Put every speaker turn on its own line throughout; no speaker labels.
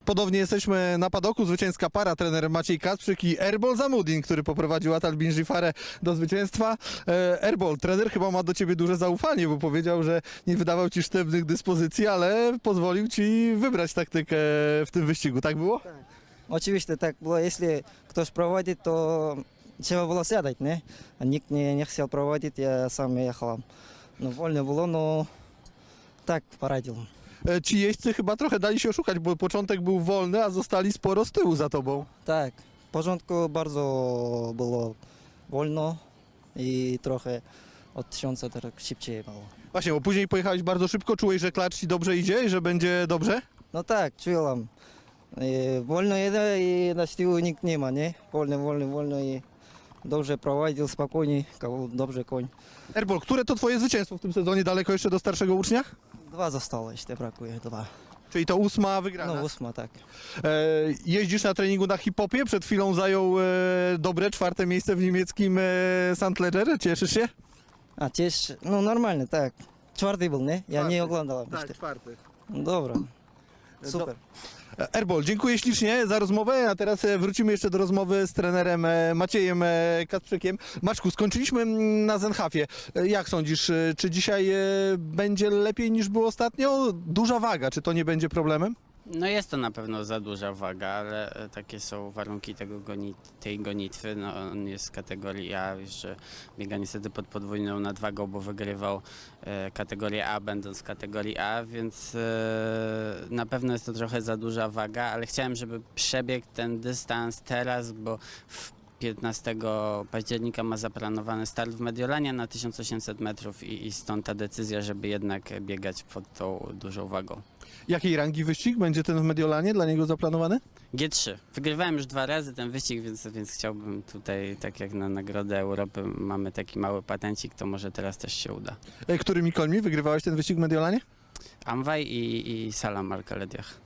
Ponownie jesteśmy na padoku, zwycięska para, trener Maciej Kacprzyk i Erbol Zamudin, który poprowadził Atal Binjifarę do zwycięstwa. Erbol, trener chyba ma do ciebie duże zaufanie, bo powiedział, że nie wydawał ci sztywnych dyspozycji, ale pozwolił ci wybrać taktykę w tym wyścigu, tak było?
Oczywiście tak było, jeśli ktoś prowadzi, to trzeba było siadać, nie? A nikt nie chciał prowadzić, ja sam jechałem. No wolno było, no tak poradził.
Ci jeźdźcy chyba trochę dali się oszukać, bo początek był wolny, a zostali sporo z tyłu za tobą.
Tak, w porządku bardzo było wolno i trochę od 1000 tak szybciej było.
Właśnie, bo później pojechałeś bardzo szybko, czułeś, że klacz ci dobrze idzie i że będzie dobrze?
No tak, czułem. Wolno jedę i na tyłu nikt nie ma, nie? Wolno i dobrze prowadził, spokojnie, dobrze koń.
Erbol, które to twoje zwycięstwo w tym sezonie, daleko jeszcze do starszego ucznia?
2 zostało jeszcze, brakuje 2.
Czyli to 8 wygrana.
No 8, tak.
Jeździsz na treningu na hip-hopie, przed chwilą zajął dobre 4. miejsce w niemieckim Sandlerze, cieszysz się?
A też, no normalnie, tak. 4 był, nie? Ja nie oglądałem jeszcze.
4.
No dobra, super.
Erbol, dziękuję ślicznie za rozmowę, a teraz wrócimy jeszcze do rozmowy z trenerem Maciejem Kacprzykiem. Maczku, skończyliśmy na Zenhafie. Jak sądzisz, czy dzisiaj będzie lepiej niż było ostatnio? Duża waga, czy to nie będzie problemem?
No jest to na pewno za duża waga, ale takie są warunki tej gonitwy. No, on jest z kategorii A, jeszcze biega niestety pod podwójną nadwagą, bo wygrywał kategorię A, będąc w kategorii A, więc na pewno jest to trochę za duża waga, ale chciałem, żeby przebiegł ten dystans teraz, bo w 15 października ma zaplanowany start w Mediolanie na 1800 metrów i stąd ta decyzja, żeby jednak biegać pod tą dużą wagą.
Jakiej rangi wyścig będzie ten w Mediolanie dla niego zaplanowany?
G3. Wygrywałem już 2 razy ten wyścig, więc chciałbym tutaj, tak jak na Nagrodę Europy mamy taki mały patencik, to może teraz też się uda.
Którymi końmi wygrywałeś ten wyścig w Mediolanie?
Amwaj i Salam Al-Khalediach.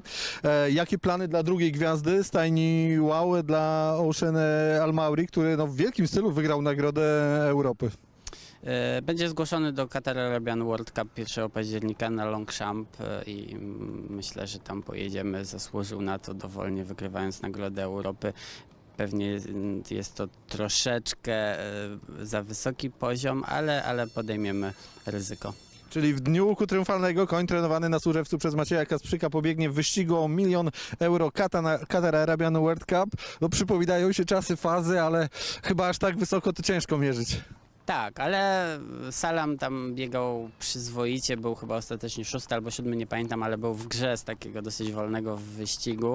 Jakie plany dla drugiej gwiazdy stajni Wow dla Ocean Al-Mauri, który w wielkim stylu wygrał Nagrodę Europy?
Będzie zgłoszony do Qatar Arabian World Cup 1 października na Longchamp i myślę, że tam pojedziemy. Zasłużył na to dowolnie, wygrywając Nagrodę Europy. Pewnie jest to troszeczkę za wysoki poziom, ale podejmiemy ryzyko.
Czyli w dniu łuku triumfalnego koń trenowany na Służewcu przez Macieja Kacprzyka pobiegnie w wyścigu o 1 000 000 euro Qatar Arabian World Cup. No przypominają się czasy fazy, ale chyba aż tak wysoko to ciężko mierzyć.
Tak, ale Salam tam biegał przyzwoicie, był chyba ostatecznie 6. albo 7, nie pamiętam, ale był w grze z takiego dosyć wolnego wyścigu.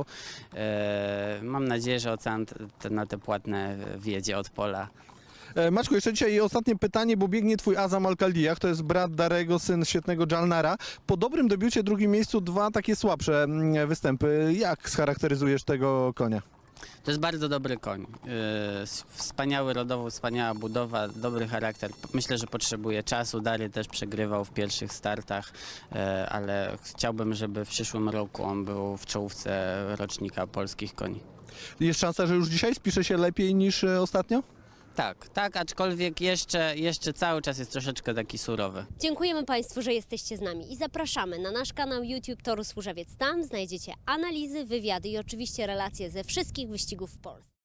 Mam nadzieję, że Ocean na te płatne wjedzie od pola.
Maczku, jeszcze dzisiaj ostatnie pytanie, bo biegnie twój Azam Al-Khaldiach, to jest brat Darego, syn świetnego Jalnara. Po dobrym debiucie, drugim miejscu, 2 takie słabsze występy. Jak scharakteryzujesz tego konia?
To jest bardzo dobry koń. Wspaniały rodowo, wspaniała budowa, dobry charakter. Myślę, że potrzebuje czasu. Dary też przegrywał w pierwszych startach, ale chciałbym, żeby w przyszłym roku on był w czołówce rocznika polskich koni.
Jest szansa, że już dzisiaj spisze się lepiej niż ostatnio?
Tak, aczkolwiek jeszcze cały czas jest troszeczkę taki surowy.
Dziękujemy Państwu, że jesteście z nami i zapraszamy na nasz kanał YouTube Toru Służewiec. Tam znajdziecie analizy, wywiady i oczywiście relacje ze wszystkich wyścigów w Polsce.